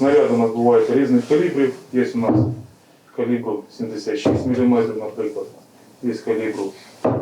Снаряди у нас бувають різних калібрів. Є у нас калібру 76 мм, наприклад. Є калібру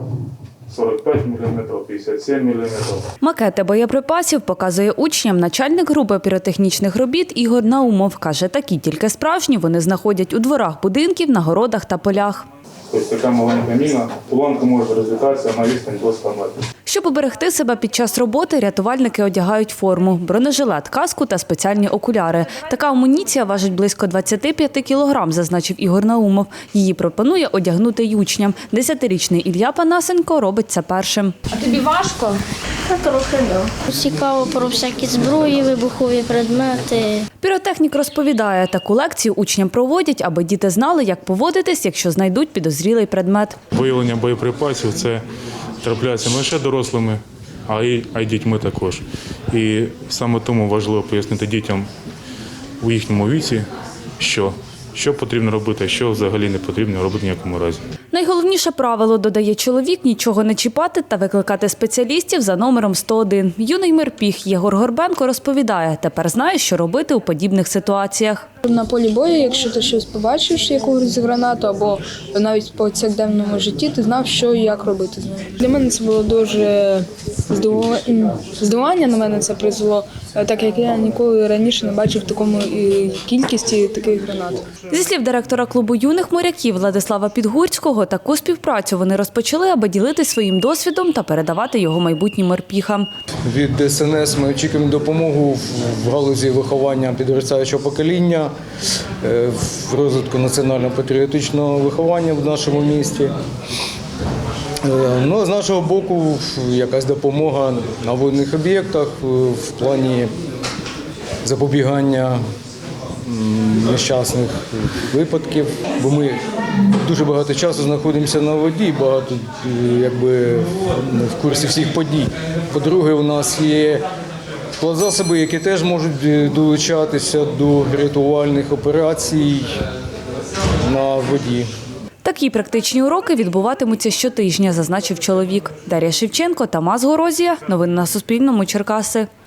45 мм, 57 мм. Макети боєприпасів показує учням начальник групи піротехнічних робіт Ігор Наумов. Каже, такі тільки справжні вони знаходять у дворах будинків, на городах та полях. Тобто така маленька міна, уламка може розлітатися на відстань до 100 метрів. Щоб уберегти себе під час роботи, рятувальники одягають форму, бронежилет, каску та спеціальні окуляри. Така амуніція важить близько 25 кілограм, зазначив Ігор Наумов. Її пропонує одягнути й учням. 10-річний Ілля Панасенко робить це першим. А тобі важко? Трохи да. Цікаво про всякі зброї, вибухові предмети. Піротехнік розповідає, таку лекцію учням проводять, аби діти знали, як поводитись, якщо знайдуть підозрілий предмет. Виявлення боєприпасів – це трапляється не лише дорослими, а й дітьми також. І саме тому важливо пояснити дітям у їхньому віці, що потрібно робити, а що взагалі не потрібно робити в ніякому разі. Найголовніше правило, додає чоловік, нічого не чіпати та викликати спеціалістів за номером 101. Юний морпіг Єгор Горбенко розповідає, тепер знає, що робити у подібних ситуаціях. На полі бою, якщо ти щось побачиш, якусь гранату, або навіть по повсякденному житті, ти знав, що і як робити з нею. Для мене це було дуже здивування, на мене це призвело, так як я ніколи раніше не бачив такому кількості таких гранат. Зі слів директора клубу юних моряків Владислава Підгурського, таку співпрацю вони розпочали, аби ділитись своїм досвідом та передавати його майбутнім морпіхам. Від СНС ми очікуємо допомогу в галузі виховання підростаючого покоління, в розвитку національно-патріотичного виховання в нашому місті. Ну, з нашого боку, якась допомога на водних об'єктах в плані запобігання нещасних випадків, бо ми дуже багато часу знаходимося на воді, багато в курсі всіх подій. По-друге, у нас є плацзасоби, які теж можуть долучатися до рятувальних операцій на воді. Такі практичні уроки відбуватимуться щотижня, зазначив чоловік. Дар'я Шевченко, Тамас Горозія. Новини на Суспільному. Черкаси.